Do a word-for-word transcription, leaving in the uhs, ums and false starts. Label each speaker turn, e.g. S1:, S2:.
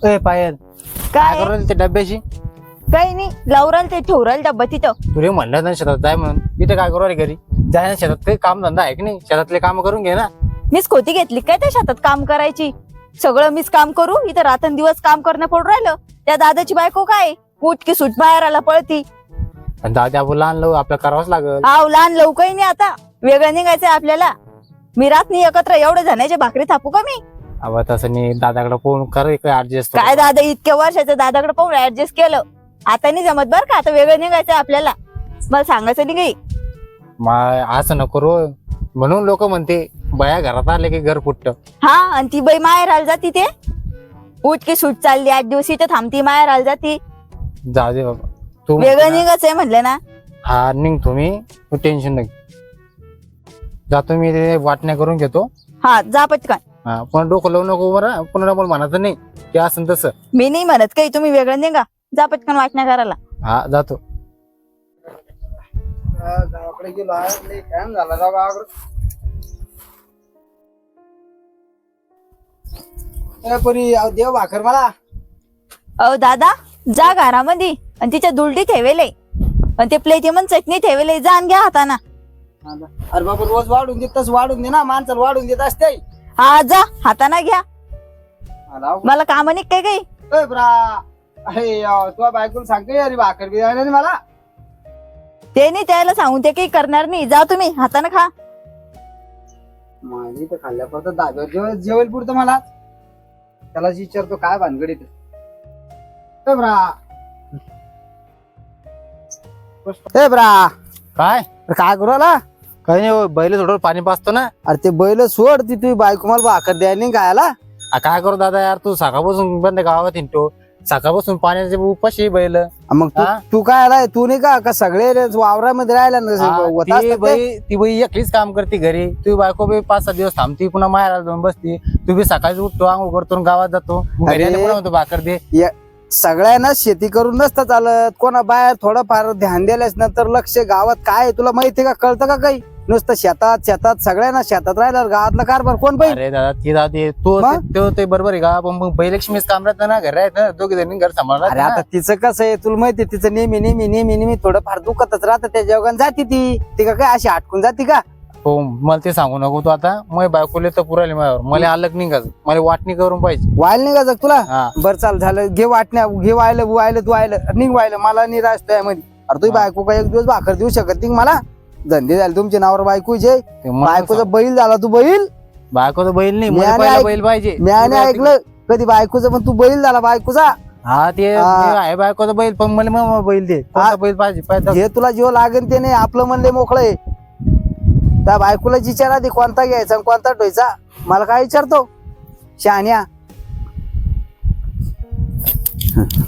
S1: ए पायल काय
S2: काय
S1: करू त्या डब्याची?
S2: काही नाही लावराल ते ठेवराल डब्बा तिथं.
S1: तुला म्हणलं ना शेतात जाय म्हणून, इथे काय करू रे घरी? जाय ना शेतात, काही काम धंदा आहे की नाही? शेतातले काम करून घे ना.
S2: मीच खोती घेतली काय त्या शेतात काम करायची? सगळं मीच काम करू इथं रात्रंदिवस काम करणं पडून राहिलं. त्या दादाची बायको काय उठ की सुट बाहेर आला पळती.
S1: आणि दादा आपण लहान लव आपल्याला करावंच लागल.
S2: हाव लहान लवकरही नाही आता वेगळं निघायचंय आपल्याला. मी रात नाही एकत्र एवढे जणांच्या भाकरी थापू का मी?
S1: अव तसं नाही, दादाकडे फोन कर ऍडजस्ट.
S2: काय दादा इतक्या वर्षाच्या दादाकडे पाहून ऍडजस्ट केलं. आता नाही जमत बरं का, आता वेगळं निघायचंय आपल्याला. मला सांगायचं नाही काही.
S1: असं नको रो, म्हणून लोक म्हणते बया घरात आले की घर फुटत.
S2: हा आणि ती बाई माहेर आल जाती ते उठ की सूट चालली आठ दिवस इथं थांबती माहेर आल जाती.
S1: जाऊ दे बाबा, तू
S2: वेगळं निघायचंय म्हणलं ना.
S1: हा निघ तुम्ही, तू टेन्शन नाही. जातो मी, ते वाटण्या करून घेतो.
S2: हा जा पटकन.
S1: हा पण डोकं लावू नको बरं, पुन्हा मला म्हणायचं नाही की असं तसं.
S2: मी नाही म्हणत काही, तुम्ही वेगळं निघा. जा पटकन वाटण्या करायला.
S1: हा जातो.
S3: गावाकडे गेलो आहे, टाइम झाला राव गावाकडे. ए परी अहो देव भाकर मला.
S2: अहो दादा जा घरामध्ये आणि तिच्या दुलटी ठेवेले आणि ते प्लेटी मग चटणी ठेवेले, जा आणि घ्या हाताना.
S3: अरे बाबा रोज वाढून देत तस वाढून दे ना, माणसाला वाढून देत असते.
S2: हा जा हाताना घ्या.
S3: आला
S2: मला काम नाही काय काही.
S3: ए ब्रा, अरे तुझ्या बायकोला सांगते अरे भाकर बी द्यायला नाही मला.
S2: ते नाही त्याला सांगून ते काही करणार नाही. जा तुम्ही हाताने खा.
S3: माझी तर खाल्ल्यापर्यंत दाब्यावर जेव जेवेल पुरतं मला. त्याला विचारतो काय भानगडीत. ए ब्रा ए ब्रा
S1: काय
S3: अरे काय करू आला?
S1: काही नाही हो, बैल थोडं पाणी पाचतो ना.
S3: अरे ते बैल सोड, ती तुझी बायको मला भाकर द्यायला नाही खायला.
S1: आ, काय करू दादा यार, तू सकाळपासून बंद गावात हिंडतो, सकाळपासून पाण्याचे उपाशी बैल.
S3: मग तू
S1: हा?
S3: तू काय आलाय? तू नाही का का सगळे वावरामध्ये राहिला ना
S1: हा,
S3: होत
S1: ती
S3: असतात ते?
S1: बाई ती बाई एकलीच काम करते घरी. तू बायको बी पाच सात दिवस थांबती, पुन्हा माहेराला जाऊन बसती. तू बी सकाळी उठतो, आंघोळ करतो, गावात जातो. घरी
S3: अरे.
S1: आले पुन्हा म्हणतो भाकर दे.
S3: या- सगळ्यांना शेती करून नसतं चालत. कोणा बाहेर थोडंफार ध्यान दिल्यास नंतर लक्ष गावात काय आहे तुला माहितीये का? कळतं का काही? नुसतं शेतात शेतात सगळ्यांना शेतात राहिला गावातला कारभार कोण पाहिजे?
S1: अरे दादा ती दादी तू
S3: मग?
S1: तो ते बरोबर आहे का? पण मग बैलक्ष्मीच काम राहतं ना, घर राहत ना, दोघे जणी घर सांभाळणार
S3: अरे आता तिचं कसं आहे तुला माहितीये, तिचं नेहमी नेहमी नेहमी नेहमी थोडंफार दुखतच राहतं. त्या जगात जाती ती ती का काय अशी अटकून जाती का?
S1: हो मला ते सांगू नको तू आता. मग बायकोले तर पुराले माझ्यावर, मला अलग निघायचं, मला वाटणी करून पाहिजे.
S3: वायल नाही का जग तुला?
S1: हा
S3: बरं चाल झालं, घे वाटण्या, घे वायलं वायलं तू वायलं निघ वायलं. मला निराश मध्ये. अरे तुझी
S1: हा.
S3: बायको का एक दिवस भाकर देऊ शकत नाही मला? धंदे झाले तुमचे नावर बायकोचे.
S1: ते मला
S3: बायकोचा
S1: सांग.
S3: बैल झाला तू बैल.
S1: बायकोचं बैल नाही,
S3: मी
S1: मला
S3: आणि
S1: पहिला
S3: ऐक-
S1: बैल पाहिजे.
S3: मी आणि ऐकलं कधी बायकोचं, पण तू बैल झाला बायकोचा.
S1: हा ते
S3: हा.
S1: ते आहे बायकोचा बैल, पण मला मग बैल दे. कोणता बैल पाहिजे पाहिजे.
S3: हे तुला जीव लागेल ते नाही, आपलं म्हणले मोकळं आहे. त्या बायकोला विचारा दे कोणता घ्यायचा आणि कोणता ठेवायचा. मला काय विचारतो शहाण्या?